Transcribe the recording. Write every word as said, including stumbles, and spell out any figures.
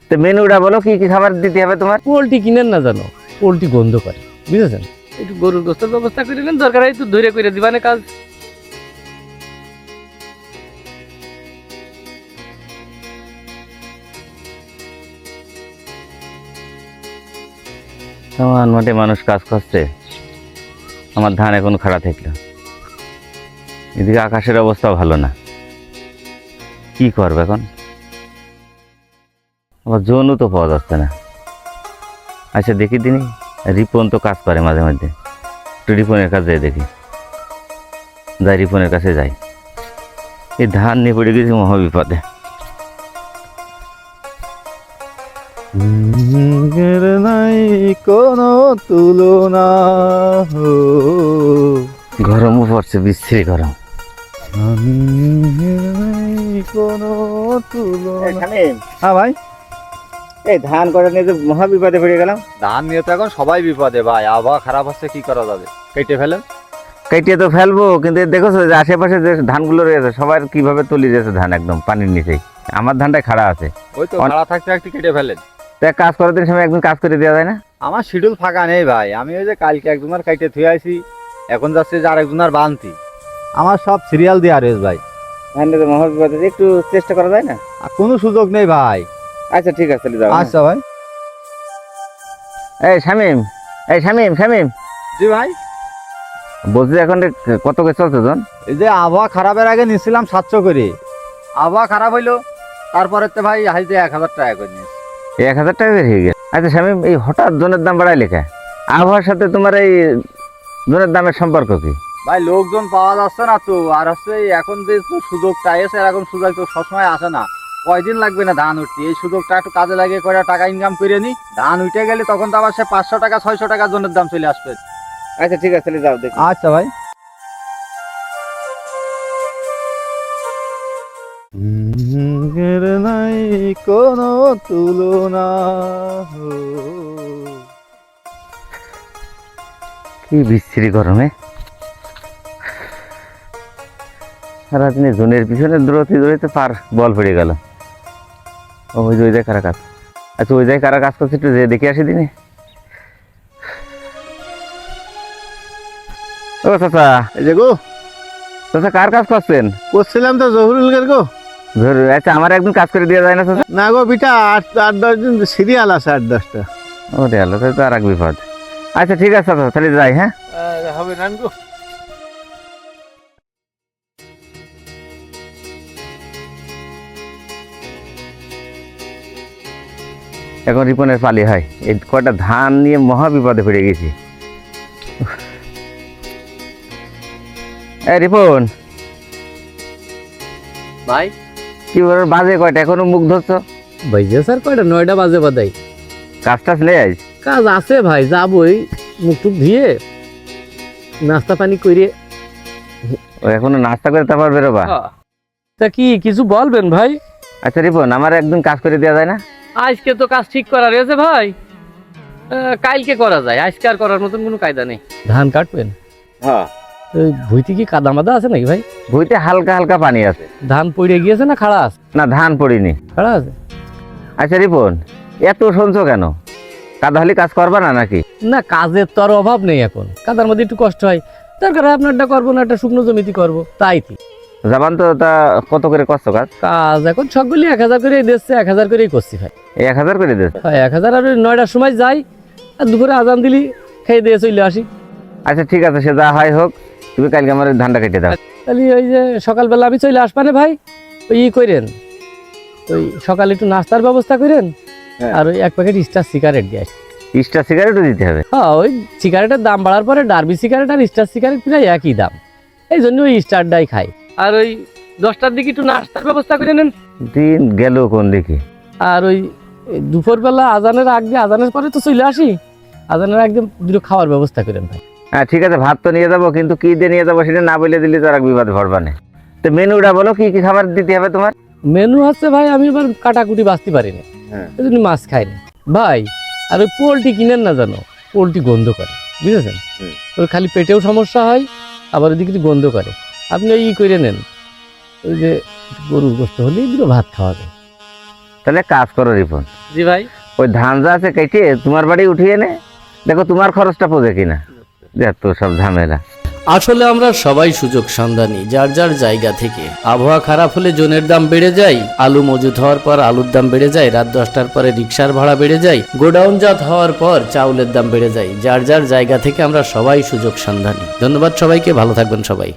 তো মেনুটা বলো, কি কি খাবার দিতে হবে তোমার? পোলট্রি কিনেন না জানো, পোলট্রি গন্ধ করে, বুঝেছেন? একটু গরুর গোস্তের ব্যবস্থা করে নেন, দরকার হয় একটু ধরে করে দিবানে কাজ। আমার মাঠে মানুষ কাজ করছে, আমার ধান এখন খাড়া থাকলো। এদিকে আকাশের অবস্থা ভালো না, কি করবে এখন? আবার জোনও তো পাওয়া যাচ্ছে না। আচ্ছা দেখি দিনই, রিপন তো কাজ করে মাঝে মধ্যে, একটু রিপনের কাছে যাই দেখি। যাই রিপনের কাছে যাই, এই ধান নিয়ে পড়ে গেছি মহাবিপদে। নাই কোনো তুলনা, গরমও পড়ছে, বিশ্রী গরম। কোনো তুলনা। হ্যাঁ ভাই, এই ধান কটা নিয়ে তো মহাবিপদে পড়ে গেলাম। ধান নিয়ে তো এখন সবাই বিপদে ভাই, আবহাওয়া খারাপ হচ্ছে, কি করা যাবে? কেটে ফেলেন। কেটে তো ফেলবো, কিন্তু দেখেছো যে আশেপাশে যে ধানগুলো রয়েছে সবার কিভাবে তলি রয়েছে ধান একদম পানির নিচেই। আমার ধানটাই খাড়া আছে। ওই তো খাড়া থাকতে একটু কেটে ফেলেন। তো এক কাজ করার দিন সময় একদিন কাজ করে দেওয়া যায় না? আমার শিডিউল ফাঁকা নেই ভাই, আমি ওই যে কালকে একজনের কাইটে থুয়ে আইছি, এখন যাচ্ছে যে আরেকজনের বানতি। আমার সব সিরিয়াল দেওয়া রয়েছে ভাই। ধানটা তো মহাবিপদে, একটু চেষ্টা করা যায় না? আর কোনো সুযোগ নেই ভাই। আচ্ছা ঠিক আছে, চলে যাও। আচ্ছা ভাই। এই শামিম, এই শামিম, শামিম জি ভাই। বলছি এখন কত করে চলছে জন? এই যে আবহাওয়া খারাপের আগে নিয়েছিলাম সাতশো করে, আবহাওয়া খারাপ হইলো তারপরে তো ভাই হাইতে এক হাজার টাকা করে নিয়েছি। এক হাজার টাকা করে হয়ে গেছে। আচ্ছা শামিম, এই হঠাৎ জনের দাম বাড়ায় লেখা, আবহাওয়ার সাথে তোমার এই জনের দামের সম্পর্ক কি? ভাই লোকজন পাওয়া যাচ্ছে না তো, আর হচ্ছে এখন যে সুযোগটা এসে, এখন সুযোগ তো সবসময় আসে না। কয়দিন লাগবে না ধান উঠতে, এই সুযোগটা একটু কাজে লাগিয়ে কয়টা টাকা ইনকাম করে নি, ধান উঠে গেলে তখন তো আবার সে পাঁচশো টাকা ছয়শো টাকা জনের দাম চলে আসবে। আচ্ছা ঠিক আছে, চলে যাও দেখি। আচ্ছা ভাই। নাই কোনো তুলনা, কি বিশ্রী গরমে সারাদিনে জনের পিছনে দৌড়তে দৌড়তে পার বল পড়ে গেল। ওই যে ওই জায়গায় কারা কাজ, আচ্ছা ওই জায়গায় কারা কাজ করছে একটু যে দেখে আসি দিনে। ও চাচা, এই যে গো চাচা কার কাজ করছেন? করছিলাম তো জহুরুল গের গো। ধরু, আচ্ছা আমার একদিন কাজ করে দেওয়া যায় না চাচা? না গো বিটা, আট আট দশ দিন সিরিয়াল আছে, আট দশটা। ও রে আল্লাহ, তাহলে তো আর এক বিপদ। আচ্ছা ঠিক আছে চাচা, তাহলে যাই। হ্যাঁ হবে না গো। এখন রিপনের পালি হয়, এই কয়টা ধান নিয়ে মহা বিপদে পড়ে গেছি। এই রিপন ভাই কি বল, বাজে কয়টা এখনো মুখ ধরছ? ভাইজে স্যার কয়টা, নয়টা বাজে বাদাই। কাজ টাজ নেই আজ? কাজ আছে ভাই, যাবই মুখ টুক ধুয়ে নাস্তা পানি করে। ও এখনো নাস্তা করে তারপর বেরোবা? তা কি কিছু বলবেন ভাই? আচ্ছা রিপন, আমার একদিন কাজ করে দেওয়া যায় না? আজকে তো কাজ ঠিক করা রয়েছে ভাই, আহ, কালকে করা যায়, আজকে আর করার মতন কোনো কায়দা নেই। ধান কাটবেন? হ্যাঁ। ওই ভুইতে কি কাদা মাদা আছে নাকি ভাই? ভুইতে হালকা হালকা পানি আছে। ধান পড়ে গিয়েছে না খাড়া আছে? না ধান পড়িনি। খাড়া আছে। আচ্ছা রিপন, এত শুনছো কেন? কাদা হলে কাজ করবা না নাকি? না কাজের তো আর অভাব নেই, এখন কাদার মধ্যে একটু কষ্ট হয়, দরকার হয় আপনারটা করবো না, একটা শুকনো জমিতে করবো, তাই কি যাবান তো। তা কত করে করছো কাজ? কাজ এখন সবগুলি এক হাজার করেই দিচ্ছে, এক হাজার করেই করছি ভাই। এই এক হাজার করে দিয়েছে? হয় এক হাজার, আর ওই নয়টার সময় যাই, আর দুপুরে আজান দিলি খেয়ে দিয়ে চলে আসি। আচ্ছা ঠিক আছে, সে যা হয় হোক, তুমি কালকে আমার ধানটা কেটে দাও। তাহলে ওই যে সকালবেলা আমি চলে আসবানে ভাই, ওই ই করেন, ওই সকালে একটু নাস্তার ব্যবস্থা করেন, হ্যাঁ। আর ওই এক প্যাকেট স্টার সিগারেট দিয়ে আসি। স্টার সিগারেটও দিতে হবে? হ্যাঁ, ওই সিগারেটের দাম বাড়ার পরে ডার্বি সিগারেট আর স্টার সিগারেট প্রায় একই দাম, এই জন্য ওই স্টারটাই খাই। আর ওই দশটার দিকে একটু নাস্তার ব্যবস্থা করে নেন। দিন গেল কোন দিকে। আর ওই দুপুরবেলা আজানের আগ দিয়ে, আজানের পরে তো চলে আসি, আজানের একদম দুটো খাওয়ার ব্যবস্থা করেন ভাই। হ্যাঁ ঠিক আছে, ভাত তো নিয়ে যাবো, কিন্তু কি দিয়ে নিয়ে যাবো সেটা না বলে দিলে তো আর এক বিপদ ভরবা না। তো মেনুটা বলো, কি কি খাবার দিতে হবে তোমার? মেনু হচ্ছে ভাই, আমি এবার কাটাকুটি বাঁচতে পারি না, হ্যাঁ। এই জন্য মাছ খাই না ভাই। আর ওই পোলট্রি কিনেন না জানো, পোলট্রি গন্ধ করে, বুঝেছেন? ওই খালি পেটেও সমস্যা হয়, আবার ওইদিকে একটু গন্ধ করে। আপনি ওই ই করে নেন, ওই যে গরুর গোস্ত হলেই দুটো ভাত খাওয়া যায়। তাহলে কাজ করো রিপন, জি ভাই। ওই ধান যা আছে কেটে তোমার বাড়ি উঠিয়ে নে, দেখো তোমার খরচটা পোজে কিনা। যত সব ঝামেলা। আসলে আমরা সবাই সুযোগ সন্ধানী, যার যার জায়গা থেকে। আবহাওয়া খারাপ হলে জনের দাম বেড়ে যায়, আলু মজুত হওয়ার পর আলুর দাম বেড়ে যায়, রাত দশটার পরে রিক্সার ভাড়া বেড়ে যায়, গোডাউনজাত হওয়ার পর চাউলের দাম বেড়ে যায়। যার যার জায়গা থেকে আমরা সবাই সুযোগ সন্ধানী। ধন্যবাদ সবাইকে, ভালো থাকবেন সবাই।